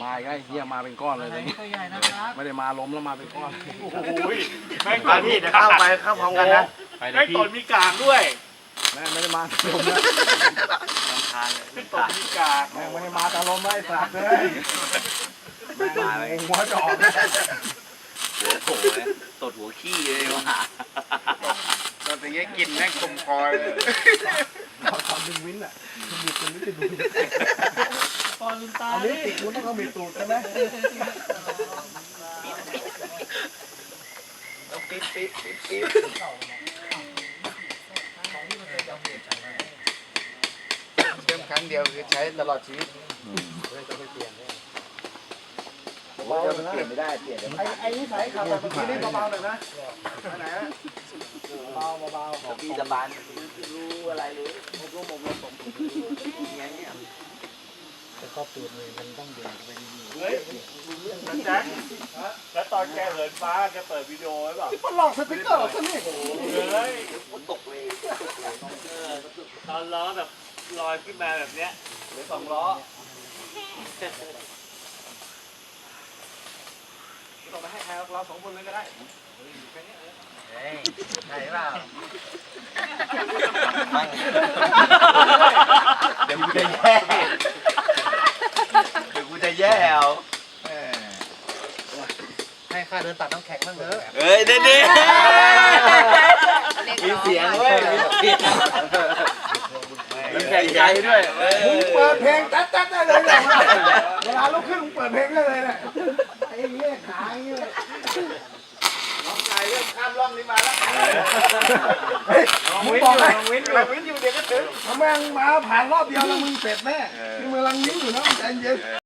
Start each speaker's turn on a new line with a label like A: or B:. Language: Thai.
A: มาอีกไอ้เหี้ยมาเป็นก้อนเลย
B: ตัวใหญ่นะครับ
A: ไม่ได้มาล้มแล้วมาเป็นก้อน
C: โอ้ยแม่ง
D: มาพี่เดี๋ยวเข้าพร้อมกันนะ
C: แม่งตนมีกากด้วย
A: แม่งไม่ได้มาล้มนะ
C: แม่งตนมีกาก
A: แม่งไม่ได้มาตาล้มไอ้สัตว์เลยมาเลยหัวจอกนะ
D: หัวโผล่เลยตดหัวขี้เลยว่ะ
E: ตอนนี้กินแม่งคมคอเลย
A: เราทำดึงวินอ่ะดึงจนไม่ติดดู
B: ปอนตา
A: อันนี้ติดคุณต้องเอาบิดตูดใช่ไหม
D: ปิ๊บ
E: เติมครั้งเดียวคือใช้ตลอดชีวิต
A: เบาเลยนะ
D: เปลี่ยนไม่ได้เปลี่ยน
A: ไอ้นี่ใส่ขับแบบเมื่อกี้นี่เบาๆหน่อยนะไหนฮะเบาๆ
D: ของพี่สบานรู้อะไรรู้ผมอย่างเงี้ย
C: เฮ้ยแจ็คแล้วตอนแกเหินฟ้าแกเปิดวิดีโอไว้เปล่า
A: มันหลอกสติ๊กเกอร์ซะนี่
C: เฮ้ย
D: ตกเลย
C: ตอนล้อแบบลอยขึ้นมาแบบเนี้ยหรือ2 ล้อ
A: ต้องไปให้ใครเรา2 คนเลยก็ได้
D: ใช่เปล่าเดี๋ยวกูจะแย่เอา
E: ให้ค่าเดินตัดน้ำแข็งบ้างเถอะ
D: เฮ้ยเด็ดมีเสียงเว้ยมีแข่งใจด้วย
A: มึงเปิดเพลงจัดได้เลยเนี่ยเวลาลุกขึ้นมึงเปิดเพลงได้เลยเนี่ยไอ้เหี้ยขาอย่างเงี้ย
E: น้องชายเริ่มข้ามร่องนี้มาแล้ว
A: เฮ้ยมึงบอกให้
E: วินอยู่เดี๋ยวก็ถึง
A: ถ้าแม่งมาผ่านรอบเดียวแล้วมึงเสร็จแน่มึงกำลังยิ้มอยู่นะมึงใจเย็น